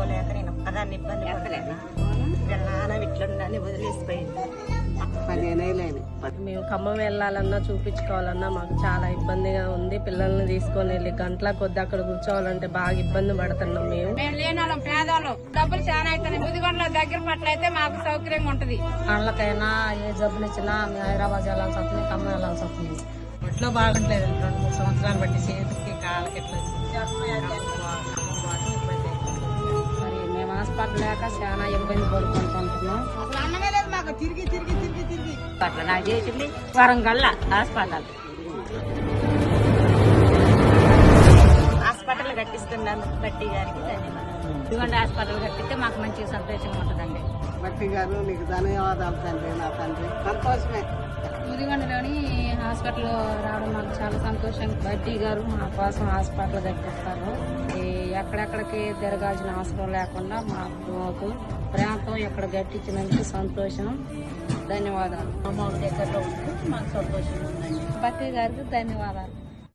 చేసుకోలేక నేను ఒక్కదాన్ని ఇబ్బంది పడలేను. నాన్న ఇట్లుండని వదిలేసిపోయింది. 15 ఏళ్ళైంది. మేము ఖమ్మం వెళ్ళాలన్నా చూపించుకోవాలన్నా మాకు చాలా ఇబ్బందిగా ఉంది. పిల్లల్ని తీసుకొని వెళ్ళి గంటల కొద్ది అక్కడ కూర్చోవాలంటే బాగా ఇబ్బంది పడుతున్నాం. మేము లేని వాళ్ళం, పేదవాళ్ళం, డబ్బులు చాలా అవుతుంది. ముదిగొండలో దగ్గర పట్ల అయితే మాకు సౌకర్యంగా ఉంటది. వాళ్ళకైనా ఏ జబ్బులు ఇచ్చినా మేము హైదరాబాద్ వెళ్ళాల్సి వస్తుంది, ఖమ్మం వెళ్ళాల్సి వస్తుంది. ఒంట్లో బాగుంటలేదు. 2-3 సంవత్సరాలు బట్టి చేతికి కాళ్ళకి ఎట్లా మరి మేము హాస్పిటల్ లేక చాలా ఇబ్బంది పడుకుంటున్నాం. అసలు అన్నమే లేదు మాకు. తిరిగి తిరిగి తిరిగి తిరిగి అట్లా నాకు చేసింది వరంగల్ హాస్పిటల్ కట్టిస్తున్నందుకు బట్టి గారికి ధన్యవాదాలు. ముదిగొండ హాస్పిటల్ కట్టిస్తే మాకు మంచి సంతోషంగా ఉంటుందండి. బట్టి గారు నీకు ధన్యవాదాలు తండ్రి. నా తండ్రి సంతోషమే. ముదిగొండలోని హాస్పిటల్ రావడం మాకు చాలా సంతోషం. బట్టి గారు మా కోసం హాస్పిటల్ కట్టిస్తారు. ఎక్కడెక్కడికి తిరగాల్సిన అవసరం లేకుండా మాకు ప్రేమతో ఇక్కడ కట్టించినందుకు సంతోషం. ధన్యవాదాలు. అమ్మ దగ్గరలో ఉంటే మాకు సంతోషంగా ఉందండి. బట్టి గారికి ధన్యవాదాలు.